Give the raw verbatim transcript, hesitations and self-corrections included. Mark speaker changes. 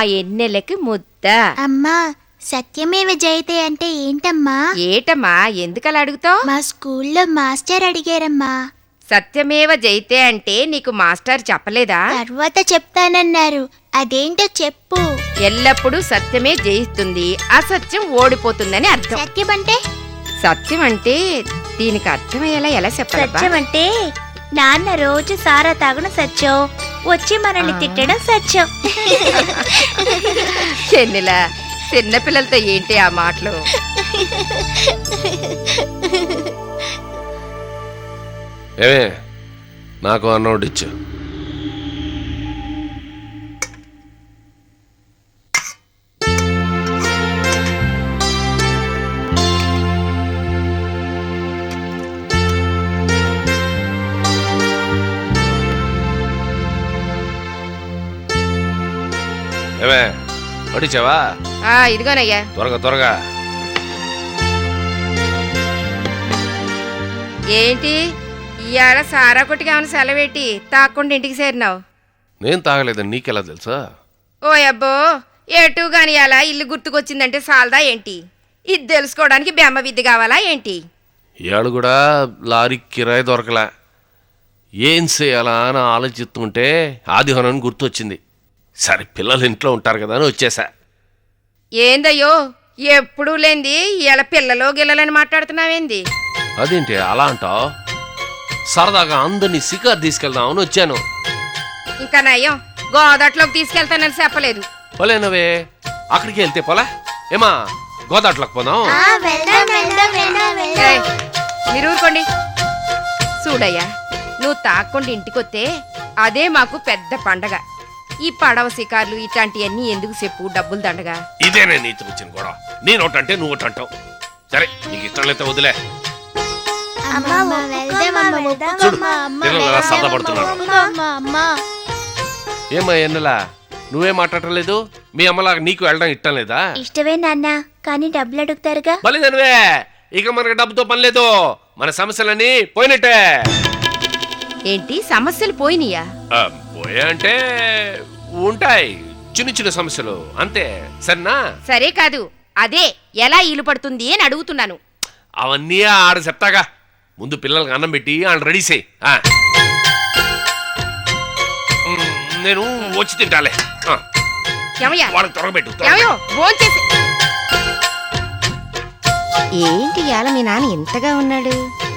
Speaker 1: ఎన్నెలకి ముద్ద.
Speaker 2: అమ్మా సత్యమేవ జయతే అంటే ఏంటమ్మా?
Speaker 1: ఏటమ్మా ఎందుకలా అడుగుతావు?
Speaker 2: మా స్కూల్లో మాస్టర్ అడిగారమ్మా.
Speaker 1: సత్యమేవ జయతే అంటే నీకు మాస్టర్ చెప్పలేదా?
Speaker 2: తర్వాత చెప్తానన్నారు. అదేంటో చెప్పు.
Speaker 1: ఎల్లప్పుడూ సత్యమే జయిస్తుంది, అసత్యం ఓడిపోతుందని అర్థం.
Speaker 2: సత్యం అంటే?
Speaker 1: సత్యం అంటే దీనికి అర్థమయ్యేలా ఎలా చెప్పాలి?
Speaker 2: సత్యం అంటే నాన్న రోజు సారా తాగున సత్యం, వచ్చి మనల్ని తిట్టడం సత్యం.
Speaker 1: ఎన్నిలా చిన్నపిల్లలతో ఏంటి ఆ మాటలు?
Speaker 3: ఏమే నాకు అన్నోడిచ్చు. ఏమే వడిచావా?
Speaker 1: ఇదిగోనయ్యా.
Speaker 3: త్వరగా త్వరగా.
Speaker 1: ఏంటి ఇవాళ సారా కొట్టికి ఏమైనా సెలవేటి తాకుండా ఇంటికి చేరినావు?
Speaker 3: నేను తాగలేదని నీకెలా తెలుసా?
Speaker 1: ఓ అబ్బో, ఎటు గాని అలా ఇల్లు గుర్తుకొచ్చిందంటే సాలదా ఏంటి? ఇది తెలుసుకోవడానికి బెమ్మ విద్య కావాలా ఏంటి?
Speaker 3: ఇవాళ కూడా లారీ కిరాయి దొరకలా. ఏం చేయాలా అని ఆలోచిస్తుంటే ఆదిహోనని గుర్తొచ్చింది. సరే పిల్లలు ఇంట్లో ఉంటారు కదా అని వచ్చేసా.
Speaker 1: ఏందయ్యో ఎప్పుడూ లేంది ఇలా పిల్లలో గిల్లలని మాట్లాడుతున్నావేంది?
Speaker 3: అదేంటి అలా అంటావు? సరదాగా అందరినీ సికార్ తీసుకెళ్దామని వచ్చాను.
Speaker 1: ఇంకా నయ్యం గోదాట్లోకి తీసుకెళ్తానని చెప్పలేదు.
Speaker 3: పోలేనవే, అక్కడికి వెళ్తే పోలా? ఏమా గోదాట్లోకి పోదాం.
Speaker 1: మీరు ఊరుకోండి. చూడయ్యా, నువ్వు తాక్కుండా ఇంటికొస్తే అదే మాకు పెద్ద పండగ. ఈ పడవ శికార్లు ఇట్లాంటివన్నీ ఎందుకు చెప్పు, డబ్బులు దండగా.
Speaker 3: ఇదేనే నీతి వచ్చిన గొడవ. నేను ఒకటంటే నువ్వు ఒకటి అంటావు. సరే నీకు ఇష్టం లేకపోతే వదిలే. ఏమ్మా ఎన్నలా నువ్వే మాట్లాడలేదు? మీ అమ్మలాగా నీకు వెళ్ళడం ఇష్టం లేదా?
Speaker 2: ఇష్టమే నాన్న, కానీ డబ్బులు అడుగుతారుగా.
Speaker 3: బలిదనివే, ఇక మనకి డబ్బుతో పని లేదు. మన సమస్యలన్నీ పోయినట్టే.
Speaker 1: ఏంటి సమస్యలు పోయినాయా?
Speaker 3: పోయా అంటే ఉంటాయి చిన్న చిన్న సమస్యలు అంతే. సరేనా?
Speaker 1: సరే కాదు, అదే ఎలా ఈలు పడుతుంది అని అడుగుతున్నాను.
Speaker 3: అవన్నీ ఆడ చెప్తాగా. ముందు పిల్లలకి అన్నం పెట్టి ఆడ రెడీ చేయి. నేను వచ్చి తింటాలే. వాళ్ళకి త్వరగబెట్టు.
Speaker 1: ఏంటి ఇవాళ మీ నాన్న ఎంతగా ఉన్నాడు?